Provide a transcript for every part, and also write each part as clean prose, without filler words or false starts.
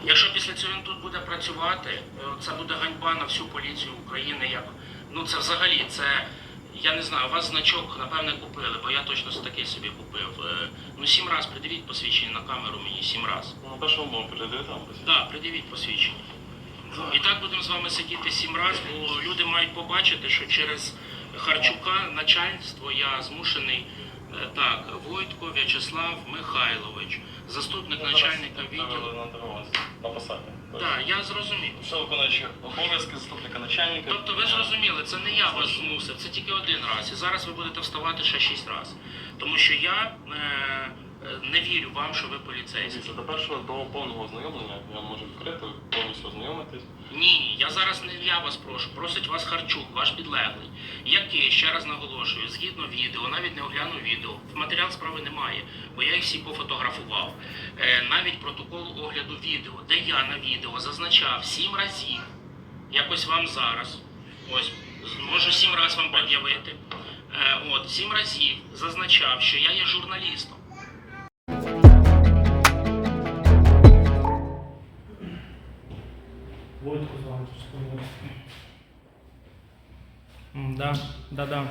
Якщо після цього він тут буде працювати, це буде ганьба на всю поліцію України. Ну це взагалі, я не знаю, у вас значок, напевне, купили, бо я точно такий собі купив. 7 разів придивіть посвідчення на камеру мені, 7 разів. Ну, першому було придивити вам посвідчення? Так, придивіть посвідчення. І так будемо з вами сидіти 7 разів, бо люди мають побачити, що через Харчука начальство я змушений, Войтко В'ячеслав Михайлович, заступник начальника відділу. На посаді. Так, я зрозумів. Що виконуючи обов'язки заступника начальника. Тобто ви зрозуміли, це не я вас змусив, це тільки один раз. І зараз ви будете вставати ще 6 разів. Тому що я не вірю вам, що ви поліцейські. До першого, до повного ознайомлення я можу відкрити, повністю ознайомитись. Ні, я вас прошу, просить вас Харчук, ваш підлеглий, який, ще раз наголошую, згідно відео, навіть не оглянув відео, в матеріал справи немає, бо я їх всі пофотографував. Навіть протокол огляду відео, де я на відео зазначав 7 разів, якось вам зараз, ось, можу 7 разів вам пред'явити, 7 разів зазначав, що я є журналістом. Войтко з вами тут Да.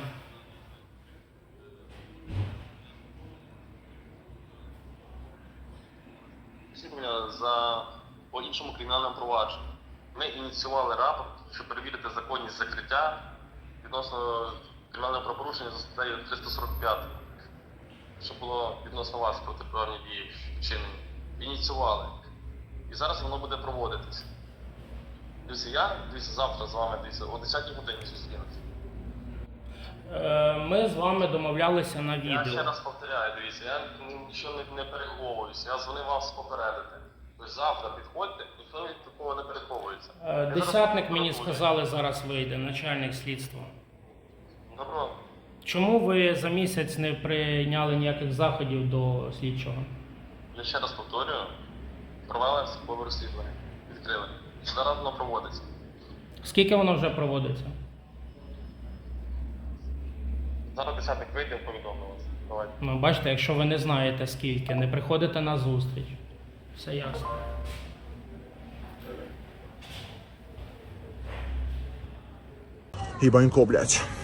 По іншому кримінальному провадженню. Ми ініціювали рапорт, щоб перевірити законність закриття відносно кримінального правопорушення за статтею 345, що було відносно вас протиправні дії вчинені. Ініціювали. І зараз воно буде проводитись. Дивіться, завтра з вами, о 10-й годині зустрінемося. Ми з вами домовлялися на відео. Я ще раз повторяю, дивіться, я нічого не переховуюся, я дзвонив вас попередити. Тобто завтра підходьте, ніхто від такого не переховується. Десятник мені сказали, зараз вийде, начальник слідства. Добро. Чому ви за місяць не прийняли ніяких заходів до слідчого? Я ще раз повторюю, провели службове розслідування, відкрили. І зараз воно проводиться. Скільки воно вже проводиться? Зараз десятник вийде, повідомлю вас. Давайте. Ну, бачите, якщо ви не знаєте скільки, не приходите на зустріч. Все ясно. Ебанько, блядь.